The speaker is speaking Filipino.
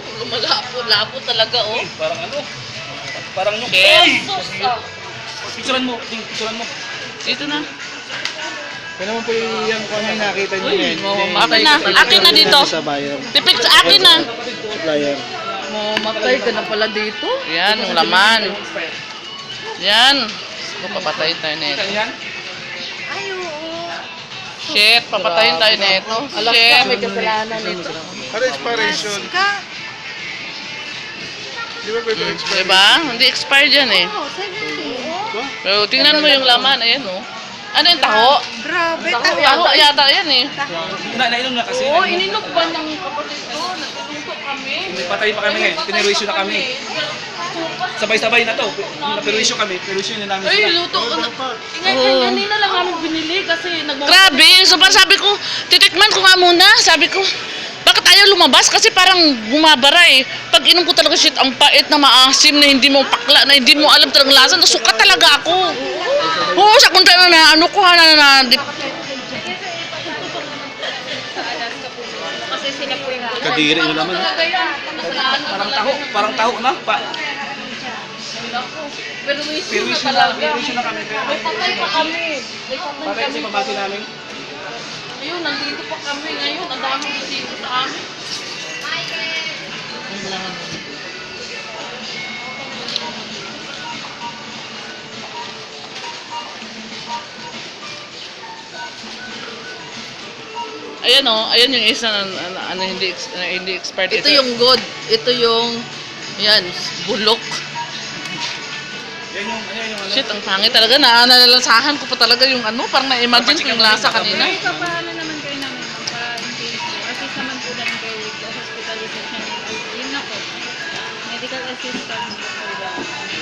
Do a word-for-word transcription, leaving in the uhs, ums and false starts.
lumalapo, lapo talaga, oh. Eh, parang ano? Parang yung... Yes! Picturean mo, ting, picturean mo. Dito na. Kaya naman po yung kung ano yung nakita nyo Uy, yan. oh, Hindi- akin na. hindi- Akin na dito. Sa buyer. Tipik sa akin na. Supplier. Mamatay ka na pala dito. Yan, yung laman. Yan. So, papatayin tayo na ito. Yan? Ay, oo. Shit, papatayin tayo na ito. Shit. May kasalanan nito. Ano expiration? Ka? Di ba pwede expire? Diba? Hindi expired yan eh. Oo, seventy. Ba? Pero tingnan mo yung laman. Ayan, oh. Ano yung taho? Grabe, Taho taho. yata, yata yan eh. Na, nainom na kasi. Oo, ininog ba ng kapatid ko? Nagtutungko kami. May patay pa kami ngayon. Pinerwisyo na kami. Sabay-sabay na to. Naperwisyo kami. Perwisyo na namin Ay, sila. luto ko na. Ingay, Oo. kanina lang namin binili kasi nagmamahal. Grabe, so parang sabi ko, titikman ko nga muna. Sabi ko, bakit ayaw lumabas? Kasi parang bumabara eh. Pag inom ko talaga shit, ang pait na maasim na hindi mo pakla, na hindi mo alam talagang lasa, nasukat talaga ako. Oo, sa kunta na na, ano ko ha, na, na, na, Kasi sila po yung Kadiri na naman. Parang taho. Parang taho na. Pa. pero may issue na Perwisyo na. talaga. Perwisyo na kami. May patay pa kami. May patay Patay kami. kasi pabati namin. Ayun, nandito pa kami ngayon. Ang daming bisita sa amin. Ayan oh, ayan yung isa na, na, ano hindi ex- na, hindi expired. Ito yung good. Ito yung yan, bulok. Yan yung, ano yung ano. Shit, ang pangit talaga. Na nalalasahan ko pa talaga yung ano, parang na-imagine ko yung lasa kanina. Ay, papaano naman kayo namin ma'am, para in case po. Assist naman po namin kayo with the hospitalization. Yun na po. Medical assistance for the